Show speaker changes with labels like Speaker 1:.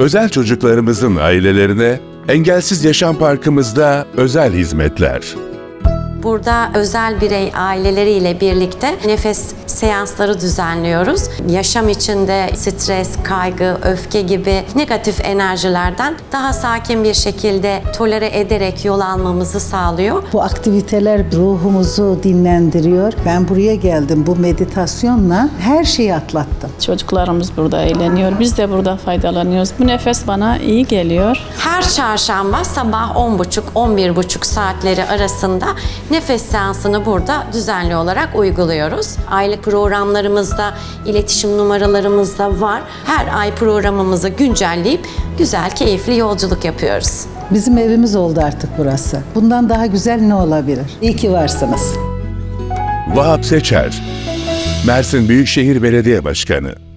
Speaker 1: Özel çocuklarımızın ailelerine Engelsiz Yaşam Parkımızda özel hizmetler.
Speaker 2: Burada özel birey aileleriyle birlikte nefes seansları düzenliyoruz. Yaşam içinde stres, kaygı, öfke gibi negatif enerjilerden daha sakin bir şekilde tolere ederek yol almamızı sağlıyor.
Speaker 3: Bu aktiviteler ruhumuzu dinlendiriyor. Ben buraya geldim bu meditasyonla her şeyi atlattım.
Speaker 4: Çocuklarımız burada eğleniyor. Biz de burada faydalanıyoruz. Bu nefes bana iyi geliyor.
Speaker 2: Her çarşamba sabah 10.30-11.30 saatleri arasında nefes seansını burada düzenli olarak uyguluyoruz. Aylık programlarımızda, iletişim numaralarımız da var. Her ay programımızı güncelleyip güzel, keyifli yolculuk yapıyoruz.
Speaker 3: Bizim evimiz oldu artık burası. Bundan daha güzel ne olabilir? İyi ki varsınız.
Speaker 1: Vahap Seçer, Mersin Büyükşehir Belediye Başkanı.